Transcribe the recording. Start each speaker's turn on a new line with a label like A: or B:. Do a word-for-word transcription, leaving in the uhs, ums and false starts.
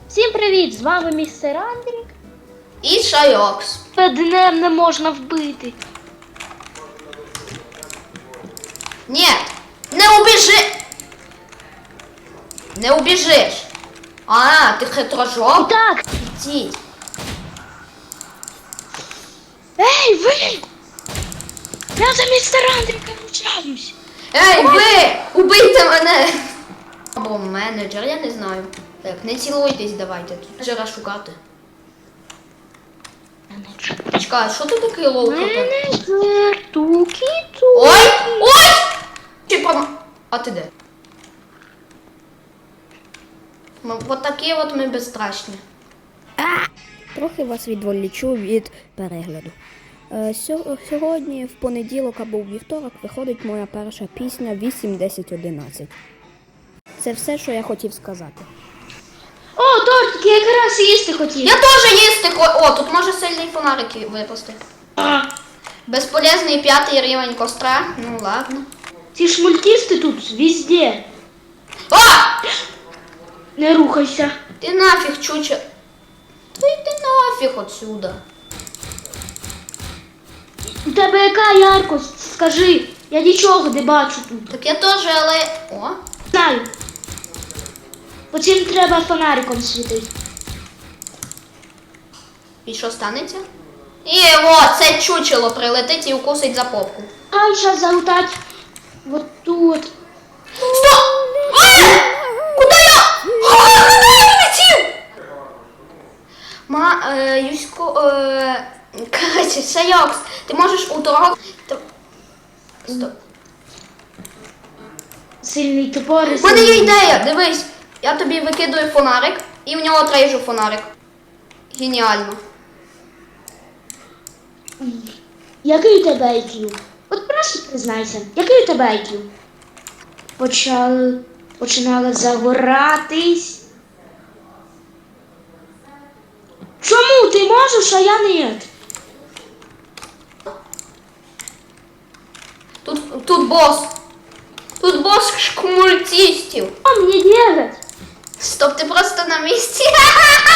A: Всім привіт! З вами містер Андрік.
B: І Шайокс.
A: Днем не можна вбити.
B: Ні, не убіжи. Не убіжиш. А, ти хитрожок?
A: Так.
B: Ідіть.
A: Ей, ви! Я за містер Андріка ручаюсь.
B: Ей, ви! Убийте мене! Або менеджер, я не знаю. Так, не цілуйтесь, давайте. Тут менеджера шукати.
A: Менеджер.
B: Чекай, що ти такий лоу?
A: Менеджер, туки-туки.
B: Ой! Ой! Чи пом... А ти де? Ми, от такі от ми безстрашні.
C: Трохи вас відволічу від перегляду. Е, сьо- Сьогодні, в понеділок або в вівторок, виходить моя перша пісня вісім десять одинадцять. Це все, що я хотів сказати.
A: О, тортик, я якраз їсти хотів.
B: Я теж їсти хо... О, тут може сильний фонарик випасти.
A: А,
B: Безполезний п'ятий рівень костра. Ну ладно.
A: ці шмультісти тут везде.
B: А!
A: Не рухайся.
B: Ти нафіг, чуче. Та йди нафіг отсюда.
A: У тебе яка яркость? Скажи. Я нічого не бачу тут.
B: Так я теж, але... О!
A: Знаю. Потім треба фонариком світити.
B: І що станеться? І о, це чучело прилетить і укусить за попку.
A: Ай, зараз залутать. Вот тут.
B: Стоп! А! Куди я? А, куди я летів? Ма, е, Юсько, е, коротше, Шайокс, ти можеш у того... Т- Стоп.
A: Сильний топор.
B: У мене є ідея, дивись. Я тобі викидаю фонарик і в нього трейжу фонарик. Геніально.
A: Який у тебе ай к'ю? От просто признайся, який у тебе ай к'ю? Почали, починали загоратись. Чому ти можеш, а я ні?
B: Тут, тут бос. Тут бос шкмультістів.
A: Що мені делать?
B: Стоп, ти просто на місці.